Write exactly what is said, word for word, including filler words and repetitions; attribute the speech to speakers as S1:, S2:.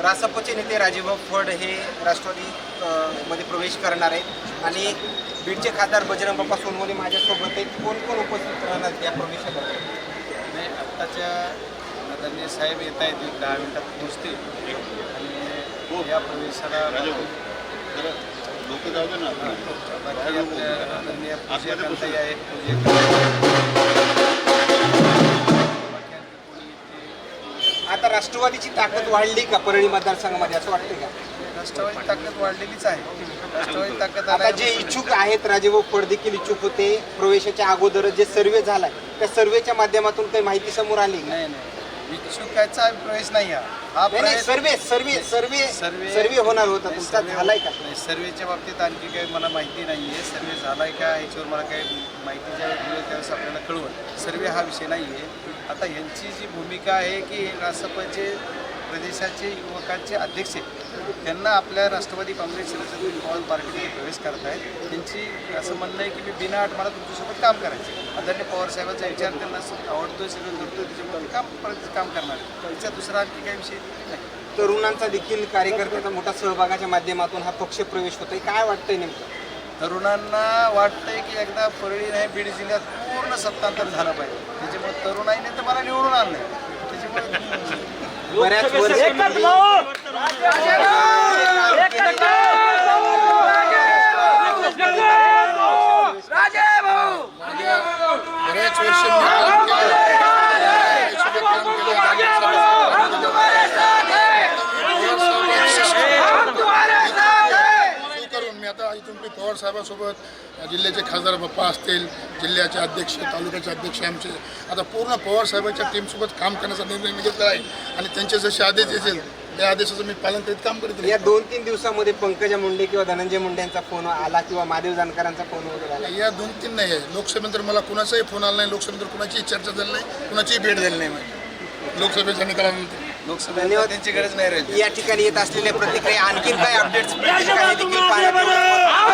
S1: रासपचे नेते राजेभाऊ फड हे राष्ट्रवादी अ, मध्ये प्रवेश करणार आहेत आणि बीडचे खासदार बजरंग बाप्पा सोनवणे माझ्यासोबत आहेत. कोण कोण उपस्थित राहणार या प्रवेशाला?
S2: नाही, आत्ताच्या आदरणीय साहेब येत आहेत, एक दहा मिनिटात पोहोचतील आणि या प्रवेशाला
S3: लोक जाऊ दे ना.
S2: बाकी आपल्या आदरणीय पूजकांताई आहेत, पूजक
S1: आता राष्ट्रवादीची ताकद वाढली का परळी मतदारसंघामध्ये असं वाटतं का?
S2: राष्ट्रवादी ताकद वाढलेलीच आहे. राष्ट्रवादी ताकद
S1: आता जे इच्छुक आहेत राजेभाऊ फड देखील इच्छुक होते प्रवेशाच्या अगोदर जे सर्वे झालाय त्या सर्वेच्या माध्यमातून काही माहिती समोर आली का?
S2: नाही नाही इच्छुकाचा प्रवेश नाही हा हा
S1: नाही, नाही,
S2: प्रवेश
S1: सर्वे सर्वे सर्वे
S2: सर्वे
S1: सर्वे होणार होता तुमचा
S2: सर्वे-
S1: झालाय का?
S2: नाही, सर्वेच्या बाबतीत आणखी काही मला माहिती नाही आहे. सर्वे झालाय का ह्याच्यावर मला काही माहिती ज्यावेळेस मिळेल त्यावेळेस आपल्याला कळवल. सर्वे हा विषय नाही आहे. आता यांची जी भूमिका आहे की रासपचे प्रदेशाचे युवकांचे अध्यक्ष त्यांना आपल्या राष्ट्रवादी काँग्रेस शरद पवार पार्टीमध्ये प्रवेश करत आहेत. त्यांची असं म्हणणं आहे की मी बिना मला तुमच्यासोबत काम करायचे. आदरणीय पवारसाहेबांचा विचार त्यांना आवडतो, सगळं करतो, त्याच्यामुळे काम परत काम करणार आहे. त्याचा दुसरा आणखी काही विषय नाही.
S1: तरुणांचा देखील कार्यकर्त्याचा मोठा सहभागाच्या माध्यमातून हा पक्ष प्रवेश होतोय. काय वाटतंय नेमकं?
S2: तरुणांना वाटतंय की एकदा परळी नाही बीड जिल्ह्यात पूर्ण सत्तांतर झालं पाहिजे. त्याच्यामुळे तरुणाईने तर मला निवडून आणलं. त्याच्यामुळे
S1: बऱ्याच वर्ष
S3: बऱ्याच वर्ष मी काम केलं. सोबत काम केलं. करून मी आता इथून मी पवार साहेबांसोबत जिल्ह्याचे खासदार बाप्पा असतील, जिल्ह्याचे अध्यक्ष, तालुक्याचे अध्यक्ष आमचे आता पूर्ण पवार साहेबांच्या टीमसोबत काम करण्याचा निर्णय मी घेतला आहे आणि त्यांचे जसे आदेश येतील त्या आदेशाचं मी पालन करीत काम करीत
S1: या दोन तीन दिवसामध्ये पंकजा मुंडे किंवा धनंजय मुंडे यांचा फोन आला किंवा महादेव जानकरांचा फोन वगैरे आला?
S3: या दोन तीन नाही आहे. लोकसभेनंतर मला कुणाचाही फोन आला नाही. लोकसभेनंतर कुणाचीही चर्चा झाली नाही, कुणाचीही भेट झाली नाही माझी लोकसभेच्या निकालानंतर.
S2: लोकसभेला त्यांची गरज नाही राहिली.
S1: या ठिकाणी येत असलेल्या प्रतिक्रिया आणखीन काय अपडेट्स देखील पाहण्यात येईल.